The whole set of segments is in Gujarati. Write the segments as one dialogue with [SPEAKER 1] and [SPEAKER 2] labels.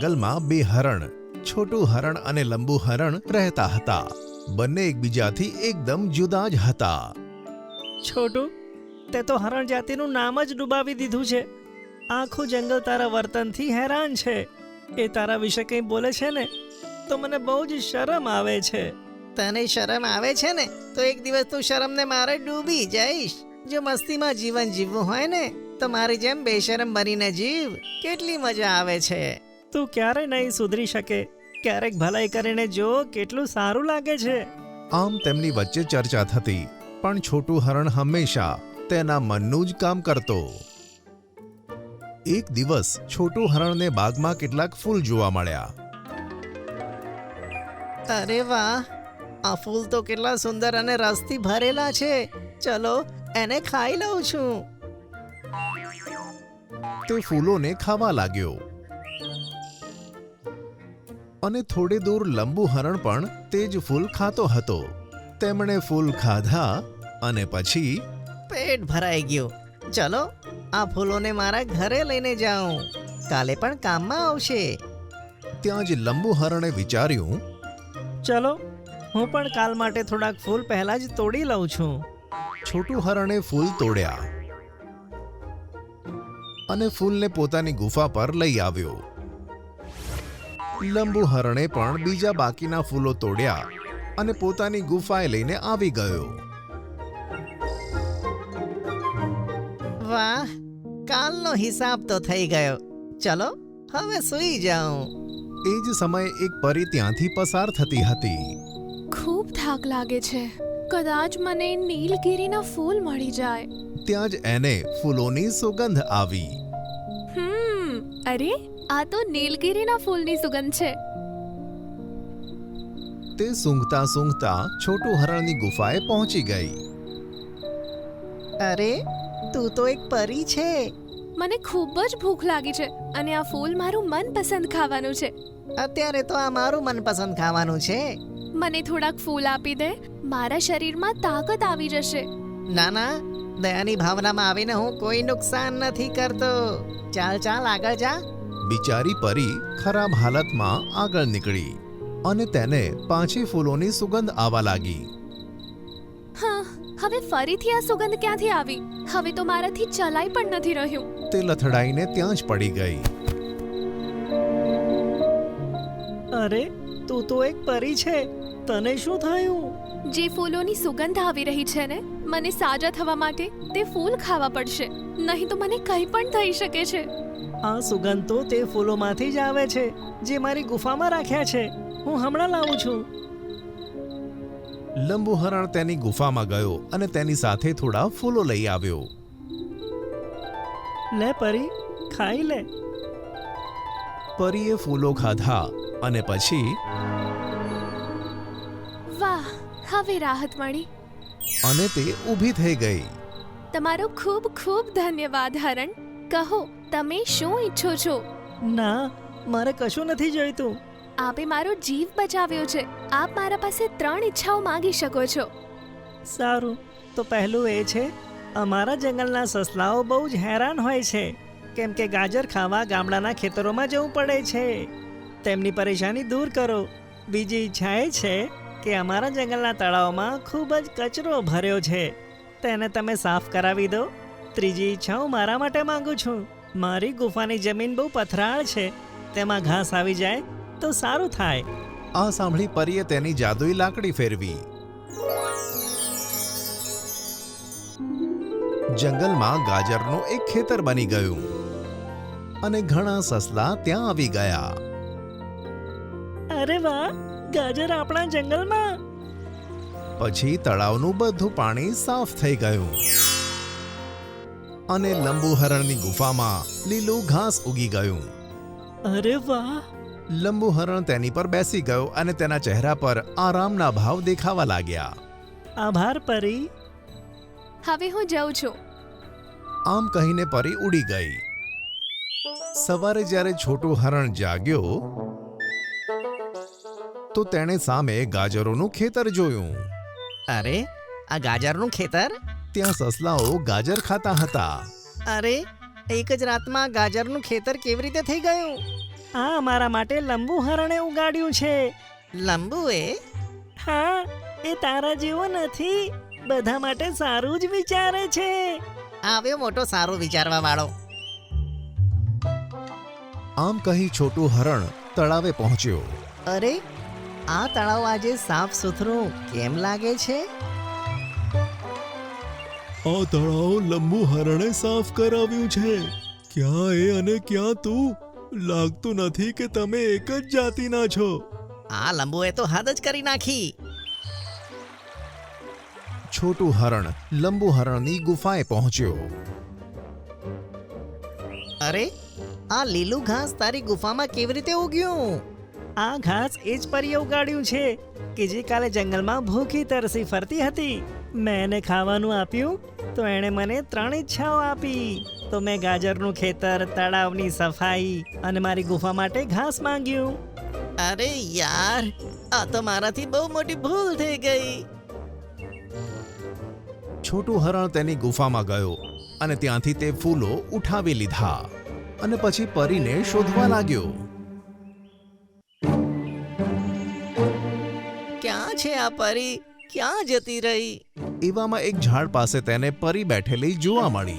[SPEAKER 1] જંગલમાં બે હરણ, છોટું હરણ અને લંબુ હરણ રહેતા હતા. બંને એકબીજાથી એકદમ જુદા જ હતા.
[SPEAKER 2] છોટું, તે તો હરણ જાતિનું નામ જ ડૂબાવી દીધું છે. આખું જંગલ તારા વર્તનથી હેરાન છે. એ તારા વિશે કંઈ બોલે છે ને તો મને બહુ જ શરમ આવે છે.
[SPEAKER 3] તને શરમ આવે છે ને તો એક દિવસ તું શરમને મારે ડૂબી જઈશ. જો મસ્તીમાં જીવન જીવવું હોય ને તો મારી જેમ બેશરમ બનીને જીવ. કેટલી મજા આવે છે.
[SPEAKER 2] તું ક્યારે નહીં સુધરી શકે. ક્યારેક ભલાઈ કરીને જો, કેટલું સારું લાગે છે.
[SPEAKER 1] આમ તેમની વચ્ચે ચર્ચા થતી, પણ છોટું હરણ હંમેશા તેના મનનું જ કામ કરતો. એક દિવસ છોટું હરણને બાગમાં કેટલાક ફૂલ જોવા મળ્યા.
[SPEAKER 3] અરે વાહ, આ ફૂલ તો કેટલા સુંદર અને રસથી ભરેલા છે. ચલો એને ખાઈ લઉં છું.
[SPEAKER 1] તે ફૂલોને ખાવા લાગ્યો અને થોડે દૂર લંબુ હરણ પણ તે જ ફૂલ ખાતો હતો. તેમણે ફૂલ ખાધા અને પછી
[SPEAKER 3] પેટ ભરાઈ ગયું. ચલો આ ફૂલોને મારા ઘરે લઈને જાઉં. કાલે પણ કામમાં આવશે.
[SPEAKER 1] ત્યાં જ લંબુ હરણે વિચાર્યું,
[SPEAKER 2] ચલો, હું પણ કાલ માટે થોડાક ફૂલ પહેલા જ તોડી લઉં છું.
[SPEAKER 1] છોટું હરણે ફૂલ તોડ્યા અને ફૂલને પોતાની ગુફા પર લઈ આવ્યો. લંબુ હરણે પણ બીજા બાકીના ફૂલો તોડ્યા અને પોતાની ગુફાએ લઈને આવી ગયો.
[SPEAKER 3] વાહ, કાલનો હિસાબ તો થઈ ગયો. ચલો હવે સૂઈ જાઉં.
[SPEAKER 1] એ જ સમયે એક પરી ત્યાંથી પસાર થતી હતી.
[SPEAKER 4] ખૂબ થાક લાગે છે. કદાચ મને નીલગિરીના ફૂલ મળી જાય.
[SPEAKER 1] ત્યાં જ એને ફૂલોની સુગંધ આવી.
[SPEAKER 4] અરે, આ તો નીલગિરીના ફૂલની સુગંધ છે.
[SPEAKER 1] તે સૂંઘતા સૂંઘતા છોટું હરણની ગુફાએ પહોંચી ગઈ.
[SPEAKER 3] અરે, તું તો એક પરી છે.
[SPEAKER 4] મને ખૂબ જ ભૂખ લાગી છે અને આ ફૂલ મારું મનપસંદ ખાવાનું છે.
[SPEAKER 3] અત્યારે તો આ મારું મનપસંદ ખાવાનું છે.
[SPEAKER 4] મને થોડાક ફૂલ આપી દે. મારા શરીરમાં તાકાત આવી જશે.
[SPEAKER 3] ના ના, દયાની ભાવનામાં આવીને હું કોઈ નુકસાન નથી કરતો. ચાલ ચાલ આગળ જા.
[SPEAKER 1] બિચારી પરી ખરાબ હાલતમાં આગળ નીકળી અને તેને પાછી ફૂલોની સુગંધ આવવા લાગી.
[SPEAKER 4] હા, હવે ફરીથી આ સુગંધ ક્યાંથી આવી? હવે તો મારાથી ચલાઈ પણ નથી રહ્યું.
[SPEAKER 1] તે લથડાઈને ત્યાં જ પડી ગઈ.
[SPEAKER 2] અરે, તું તો એક પરી છે. તને શું થયું?
[SPEAKER 4] જે ફૂલોની સુગંધ આવી રહી છે ને, મને સાજા થવા માટે તે ફૂલ ખાવા પડશે. નહીં તો મને કંઈ પણ થઈ શકે છે.
[SPEAKER 2] આ સુગંધ તો તે ફૂલોમાંથી જ આવે છે જે મારી ગુફામાં રાખ્યા છે. હું હમણાં લાવું છું.
[SPEAKER 1] લંબુ હરણ તેની ગુફામાં ગયો અને તેની સાથે થોડા ફૂલો લઈ આવ્યો.
[SPEAKER 2] લે પરી, ખાઈ લે.
[SPEAKER 1] પરીએ ફૂલો ખાધા અને પછી
[SPEAKER 4] વાહ, હવે રાહત મળી.
[SPEAKER 1] અને તે ઊભી થઈ ગઈ.
[SPEAKER 4] તમારો ખૂબ ખૂબ ધન્યવાદ હરણ. કહો, તમે શું ઈચ્છો છો?
[SPEAKER 2] ના, મારે કશું નથી જોઈતું.
[SPEAKER 4] આપે મારો જીવ બચાવ્યો છે. આપ મારા પાસે 3 ઈચ્છાઓ માંગી શકો છો.
[SPEAKER 2] સારું, તો પહેલું એ છે, અમારા જંગલના સસલાઓ બહુ જ હેરાન હોય છે, કેમ કે ગાજર ખાવા ગામડાના ખેતરોમાં જવું પડે છે. તેમની પરેશાની દૂર કરો. બીજી ઈચ્છા એ છે કે અમારા જંગલના તળાવમાં ખૂબ જ કચરો ભર્યો છે, તેને તમે સાફ કરાવી દો. ત્રીજી ઈચ્છા હું મારા માટે માંગુ છું. મારી ગુફાની જમીન બહુ પથરાળ છે, તેમાં ઘાસ આવી જાય તો સારું થાય.
[SPEAKER 1] આ સાંભળી પરીએ તેની જાદુઈ લાકડી ફેરવી. જંગલમાં ગાજરનું એક ખેતર બની ગયું અને ઘણા સસલા ત્યાં આવી ગયા.
[SPEAKER 2] અરે વાહ, ગાજર આપણા જંગલમાં.
[SPEAKER 1] પછી તળાવનું બધું પાણી સાફ થઈ ગયું અને લંબુ હરણની ગુફામાં લીલું ઘાસ ઉગી ગયું.
[SPEAKER 2] અરે વાહ.
[SPEAKER 1] લંબુ હરણ તેની પર બેસી ગયો અને તેના ચહેરા પર આરામના ભાવ દેખાવા લાગ્યા.
[SPEAKER 2] આભાર પરી.
[SPEAKER 4] હવે હું જાઉં છું.
[SPEAKER 1] આમ કહીને પરી ઉડી ગઈ. સવારે જ્યારે છોટું હરણ જાગ્યો તો તેણે સામે ગાજરોનું ખેતર જોયું.
[SPEAKER 3] અરે, આ ગાજરનું ખેતર?
[SPEAKER 1] ત્યાં સસલાઓ ગાજર ખાતા હતા.
[SPEAKER 3] અરે, એક જ રાતમાં ગાજરનું ખેતર કેવી રીતે થઈ ગયું?
[SPEAKER 2] આ અમારા માટે લંબુ હરણે ઉગાડ્યું છે.
[SPEAKER 3] લંબુએ
[SPEAKER 2] હા, એ તારા જેવો નથી. બધા માટે સારું જ વિચારે છે.
[SPEAKER 3] આવ્યો મોટો સારું વિચારવા વાળો.
[SPEAKER 1] આમ કહી છોટું હરણ તળાવે પહોંચ્યો.
[SPEAKER 3] અરે, આ તળાવ આજે સાફ સુથરું કેમ લાગે છે?
[SPEAKER 1] આ તળાવ લંબુ હરણે સાફ કરાવ્યું છે. ક્યાં એ અને ક્યાં તું? લાગતું નથી કે તમે એક જ જાતિના છો.
[SPEAKER 3] આ લંબુએ તો હદ જ કરી નાખી.
[SPEAKER 1] છોટું હરણ લંબુ હરણની ગુફાએ પહોંચ્યો.
[SPEAKER 3] અરે, આ લીલું ઘાસ તારી ગુફામાં કેવી રીતે ઉગ્યું?
[SPEAKER 2] આ ઘાસ એ જ પરીએ ઉગાડ્યું છે કે જે કાલે જંગલમાં ભૂખી તરસી ફરતી હતી. મેં એને ખાવાનું આપ્યું તો એણે મને 3 ઈચ્છાઓ આપી. તો મેં ગાજરનું ખેતર, તળાવની સફાઈ અને મારી ગુફા માટે ઘાસ માંગ્યું.
[SPEAKER 3] અરે યાર, આ તો મારાથી બહુ મોટી ભૂલ થઈ ગઈ.
[SPEAKER 1] છોટું હરણ તેની ગુફામાં ગયો અને ત્યાંથી તે ફૂલો ઉઠાવી લીધા અને પછી પરીને શોધવા લાગ્યો.
[SPEAKER 3] ક્યાં છે આ પરી? ક્યાં જતી રહી?
[SPEAKER 1] એવામાં એક ઝાડ પાસે તેને પરી બેઠેલી જોવા મળી.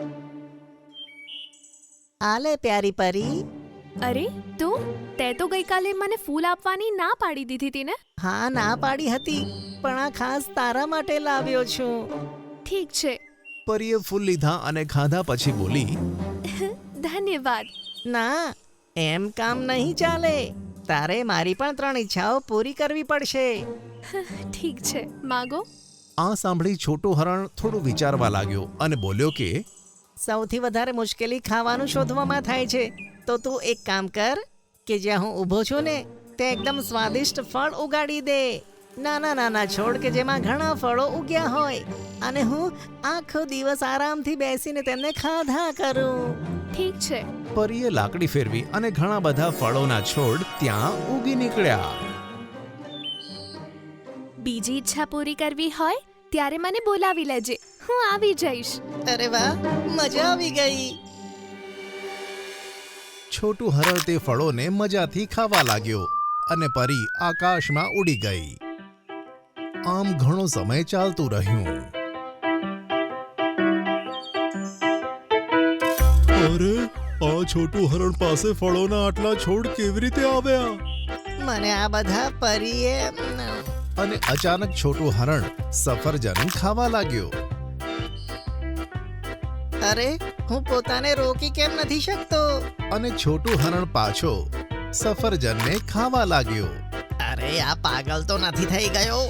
[SPEAKER 3] આલે પ્યારી પરી.
[SPEAKER 4] અરે તું, તે તો ગઈકાલે મને ફૂલ આપવાની ના પાડી દીધી હતી ને?
[SPEAKER 3] હા, ના પાડી હતી, પણ આ ખાસ તારા માટે લાવ્યો છું.
[SPEAKER 4] ઠીક છે,
[SPEAKER 1] પરીએ ફૂલ લીધા અને ખાધા પછી બોલી,
[SPEAKER 4] ધન્યવાદ.
[SPEAKER 3] ના, એમ કામ નહીં ચાલે. તારે મારી પણ 3 ઈચ્છાઓ પૂરી કરવી પડશે.
[SPEAKER 4] ઠીક છે, માગો.
[SPEAKER 1] આ સાંભળી છોટું હરણ થોડું વિચારવા લાગ્યો અને બોલ્યો કે
[SPEAKER 3] સૌથી વધારે મુશ્કેલી ખાવાનું શોધવામાં થાય છે. તો તું એક કામ કર કે જ્યાં હું ઊભો છું ને તે એકદમ સ્વાદિષ્ટ ફળ ઉગાડી દે. નાના નાના છોડ કે જેમાં ઘણા ફળો ઉગ્યા હોય અને હું આખો દિવસ આરામથી બેસીને તેમને ખાધા કરું.
[SPEAKER 4] ઠીક છે.
[SPEAKER 1] પરીએ લાકડી ફેરવી અને ઘણા બધા ફળોના છોડ ત્યાં ઉગી નીકળ્યા.
[SPEAKER 4] બીજી ઈચ્છા પૂરી કરવી હોય ત્યારે મને બોલાવી લેજે, હું આવી જઈશ.
[SPEAKER 3] અરે વાહ, મજા આવી ગઈ.
[SPEAKER 1] છોટું હરણ તે ફળોને મજાથી ખાવા લાગ્યો અને પરી આકાશમાં ઉડી ગઈ. આમ ઘણો સમય ચાલતું રહ્યું. અરે, આ છોટું હરણ પાસે ફળોના આટલા છોડ કેવી રીતે આવ્યા?
[SPEAKER 3] મને આ બધા પરીએ
[SPEAKER 1] અને અચાનક છોટું હરણ સફરજન ખાવા લાગ્યો.
[SPEAKER 3] અરે, હું પોતાને રોકી કેમ નથી શકતો?
[SPEAKER 1] અને છોટું હરણ પાછો સફરજનને ખાવા લાગ્યો.
[SPEAKER 3] અરે, આ પાગલ તો નથી થઈ ગયો?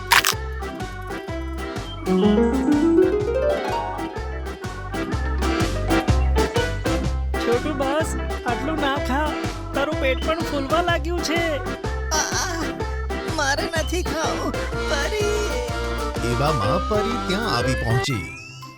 [SPEAKER 2] છોટું બસ, આટલું ના ખા. તારું પેટ પણ ફૂલવા લાગ્યું છે.
[SPEAKER 3] મારે નથી ખાવું, પરી.
[SPEAKER 1] એવામાં પરી ત્યાં આવી પહોંચી.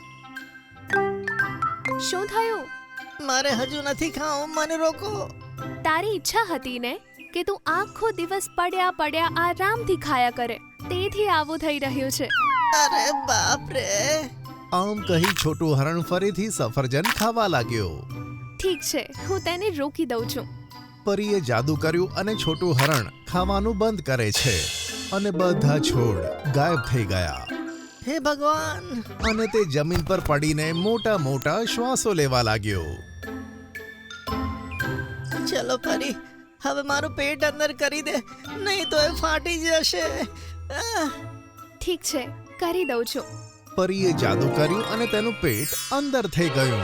[SPEAKER 4] શું થયું?
[SPEAKER 3] મારે હજુ નથી ખાવું, મને રોકો.
[SPEAKER 4] તારી ઈચ્છા હતી ને કે તું આખો દિવસ પડ્યા પડ્યા આરામથી ખાયા કરે, તેથી આવું થઈ રહ્યું છે.
[SPEAKER 3] અરે બાપ રે.
[SPEAKER 1] આમ કહી છોટું હરણ ફરીથી સફરજન ખાવા લાગ્યો.
[SPEAKER 4] ઠીક છે, હું તેને રોકી દઉં છું.
[SPEAKER 1] પરીએ જાદુ કર્યું અને છોટું હરણ ખાવાનું બંધ કરે છે અને બધા છોડ ગાયબ થઈ ગયા.
[SPEAKER 3] હે ભગવાન.
[SPEAKER 1] અને તે જમીન પર પડીને મોટા મોટા શ્વાસો લેવા લાગ્યો.
[SPEAKER 3] ચલો પરી, હવે મારું પેટ અંદર કરી દે, નહીં તો એ ફાટી જશે.
[SPEAKER 4] ઠીક છે, કરી દઉં છું.
[SPEAKER 1] પરીએ જાદુ કર્યું અને તેનું પેટ અંદર થઈ ગયું.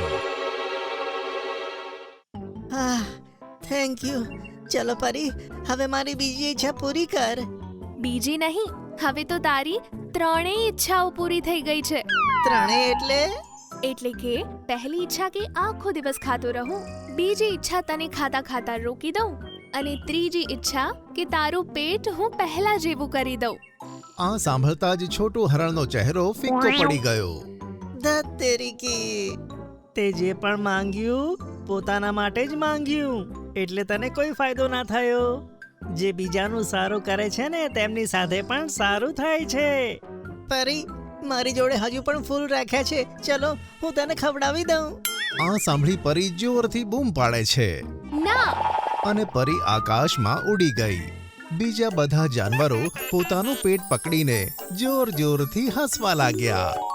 [SPEAKER 3] Thank you. ચલો પરી, હવે મારી બીજી ઈચ્છા પૂરી કર.
[SPEAKER 4] બીજી નહીં, હવે તો તારી 3 ઈચ્છાઓ પૂરી થઈ ગઈ છે.
[SPEAKER 3] 3 એટલે?
[SPEAKER 4] એટલે કે પહેલી ઈચ્છા કે આખો દિવસ ખાતો રહું, બીજી ઈચ્છા તને ખાતા ખાતા રોકી દઉં અને ત્રીજી ઈચ્છા કે તારું પેટ હું પહેલા જેવું કરી દઉં.
[SPEAKER 1] આ સાંભળતા જ છોટું હરણનો ચહેરો ફિક્કો પડી ગયો.
[SPEAKER 3] ધત તેરી કી.
[SPEAKER 2] તે જે પણ માંગ્યું પોતાના માટે જ માંગ્યું, એટલે તને કોઈ ફાયદો ના થયો. જે બીજાનું સારું કરે છે ને તેમની સાથે પણ સારું થાય છે.
[SPEAKER 3] પરી, મારી જોડે હજુ પણ ફૂલ રાખ્યા છે, ચલો હું તને ખવડાવી દઉં.
[SPEAKER 1] આ સાંભળી પરી જોરથી બૂમ પાડે છે.
[SPEAKER 4] ના,
[SPEAKER 1] અને પરી આકાશમાં ઉડી ગઈ. બીજા બધા જાનવરો પોતાનું પેટ પકડીને જોર જોરથી હસવા લાગ્યા.